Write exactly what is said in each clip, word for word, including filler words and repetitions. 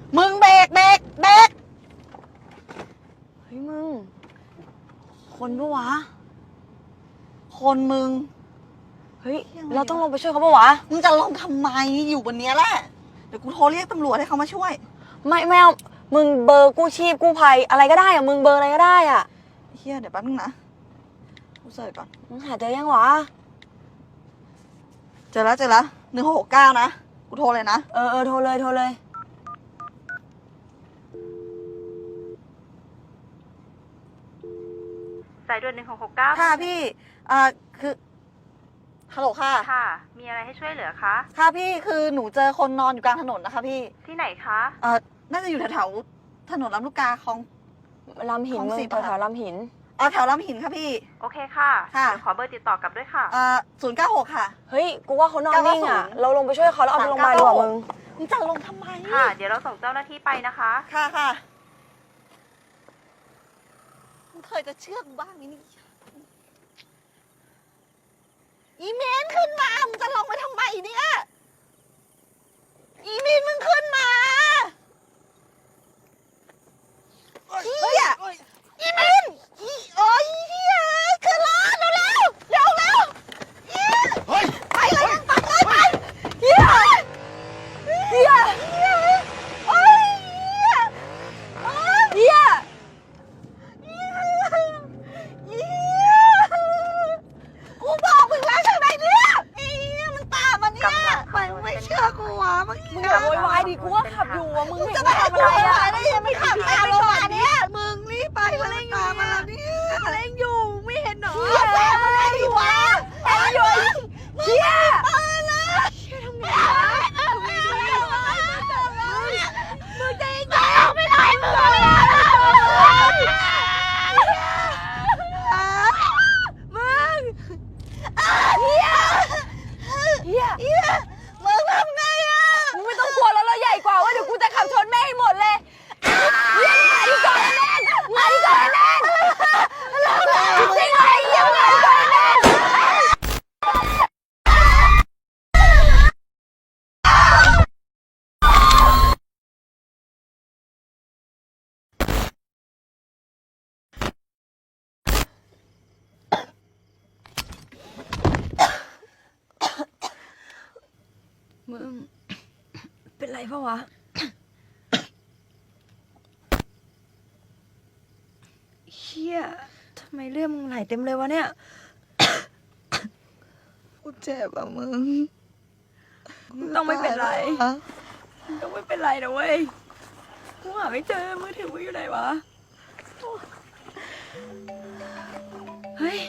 มึงเบรกเบรกเบรกเฮ้ยมึงคนปะวะคนมึงเฮ้ยเราต้องลงไปช่วยเขาปะวะมึงจะลงทำไมอยู่บนเนี้ยแหละเดี๋ยวกูโทรเรียกตำรวจให้เขามาช่วยไม่ไม่เอามึงเบอร์กู้ชีพกู้ภัยอะไรก็ได้อะมึงเบอร์อะไรก็ได้อะเฮียเดี๋ยวแป๊บนึงนะกูเสิร์ชก่อนมึงหาเจอยังวะเจอแล้วเจอแล้วหนึ่งหกหกเก้านะกูโทรเลยนะเออเออโทรเลยโทรเลยสายด่วนหนึ่งหกหกเก้าค่ะพี่อ่าคือฮัลโหลค่ะค่ะมีอะไรให้ช่วยเหลือคะค่ะพี่คือหนูเจอคนนอนอยู่กลางถนนนะคะพี่ที่ไหนคะเอ่อน่าจะอยู่แถวๆถนนลำลูกกาของลำหินมึงแถวๆลำหินอ๋อแถวลำหินค่ะพี่โอเคค่ะค่ะเดี๋ยวขอเบอร์ติดต่อกลับด้วยค่ะอ่าศูนย์เก้าหกค่ะเฮ้ยกูว่าเขานอนนิ่งอ่ะเราลงไปช่วยเขาแล้วเอาไปโรงพยาบาลดีกว่ามึงมึงจะลงทำไมค่ะเดี๋ยวเราส่งเจ้าหน้าที่ไปนะคะค่ะค่ะมึงเคยจะเชื่อกูบ้างนี่นี่อีเมนขึ้นมามึงจะลงไปทำไมเนี่ยอีเมนมึงขึ้นมาเฮียอีเมนอีโอ้ยเฮียขึ้นรถเร็วเร็วเร็วเร็วเฮียไปเลยไปเลยไปเฮียเฮียเฮียโอ้ยเฮียเฮียเฮียกูบอกมึงแล้วใช่ไหมเนี่ยเฮียมันตามมาเนี่ยไปไม่เชื่อกูวะเมื่อกี้มึงอย่าโวยวายดิกูว่าขับอยู่อ่ะมึงจะไปทำอะไรอ่ะได้ยังไม่ขับตามเรามาเนี่ยมึงรีบไปมาเล่นอยู่มาเนี่ยเล่นอยู่ไม่เห็นหรอเฮียแมาเล่นอยู่วะเล่นอยู่เฮียเปิดนะเฮียทำไงวะมึงจะยิงกูไม่ได้มึงมึงเฮียเฮียเฮียมึงทำไงอ่ะมึงไม่ต้องกลัวแล้วเราใหญ่กว่าว่าเดี๋ยวกูจะขับชนแม่ให้หมดเลยเฮียมาดิก่อนแน่นมาดิก่อนแน่นจริงๆเลยเฮียมาดิก่อนแน่นมึงเป็นไรปะวะเฮียทำไมเลือดมึงไหลเต็มเลยวะเนี่ยกูเจ็บอ่ะมึงต้องไม่เป็นไรต้องไม่เป็นไรนะเว้ยกูหาไม่เจอมือถือมึงอยู่ไหนวะเฮ้ย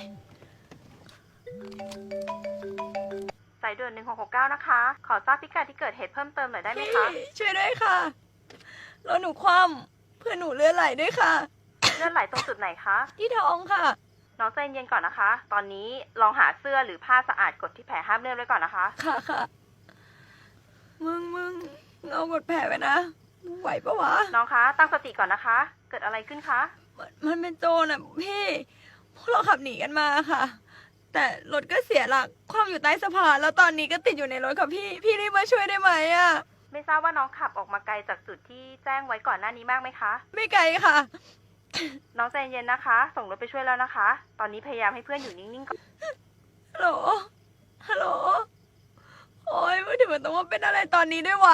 สายด่วนหนึ่งหกหกเก้านะคะขอทราบพิกัดที่เกิดเหตุเพิ่มเติมหน่อยได้ไหมคะช่วยด้วยค่ะรถหนูคว่ำเพื่อนหนูเลือดไหลด้วยค่ะเลือดไหลตรงจุดไหนคะที่ท้องค่ะน้องใจเย็นก่อนนะคะ ตอนนี้ลองหาเสื้อหรือผ้าสะอาดกดที่แผลห้ามเลือดไว้ก่อนนะคะค่ะค่ะมึงมึงเอากดแผลไว้นะมึงไหวปะวะน้องคะตั้งสติก่อนนะคะ เกิดอะไรขึ้นคะมันเป็นโจรอ่ะพี่พวกเราขับหนีกันมาค่ะแต่รถก็เสียหลักคว่ำอยู่ใต้สะพานแล้วตอนนี้ก็ติดอยู่ในรถค่ะพี่พี่รีบมาช่วยได้ไหมอ่ะไม่ทราบว่าน้องขับออกมาไกลจากจุดที่แจ้งไว้ก่อนหน้านี้มากไหมคะไม่ไกลค่ะน้องใจเย็นนะคะส่งรถไปช่วยแล้วนะคะตอนนี้พยายามให้เพื่อนอยู่นิ่งๆก่อนฮัลโหลฮัลโหลโอ้ยมือถือมันต้องมาเป็นอะไรตอนนี้ด้วยวะ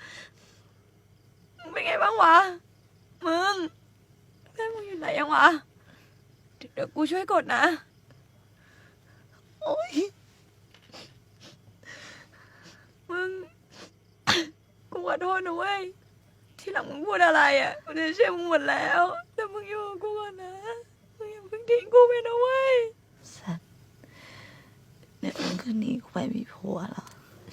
มึงเป็นไงบ้างวะมึงเพื่อนมึงอยู่ไหนยังวะเดี๋ยวกูช่วยกดนะโอ้ยมึงกูขอโทษนะเว้ยที่หลังมึงพูดอะไรอ่ะกูจะเชื่อมึงหมดแล้วแต่มึงอยู่กับกูก่อนนะมึงอย่าเพิ่งทิ้งกูไปนะเว้ยสัตว์เดี๋ยวมึงก็หนีกูไปมีผัวแล้ว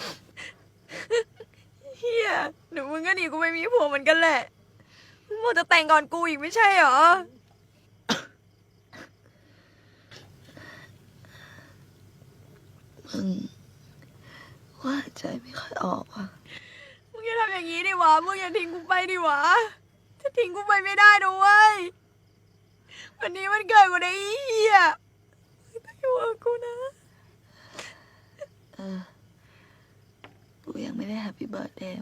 เฮียเดี๋ยวมึงก็หนีกูไปมีผัวเหมือนกันแหละมึงบอกจะแต่งก่อนกูอีกไม่ใช่หรอมึงว่าใจไม่ค่อยออกอ่ะมึงอย่าทำอย่างนี้ดิวะมึงอย่าทิ้งกูไปดิวะจะทิ้งกูไปไม่ได้นะเว้ยวันนี้มันเกิดกูได้เฮียต้องอยู่กับกูนะเออกูยังไม่ได้แฮปปี้เบิร์ธเดย์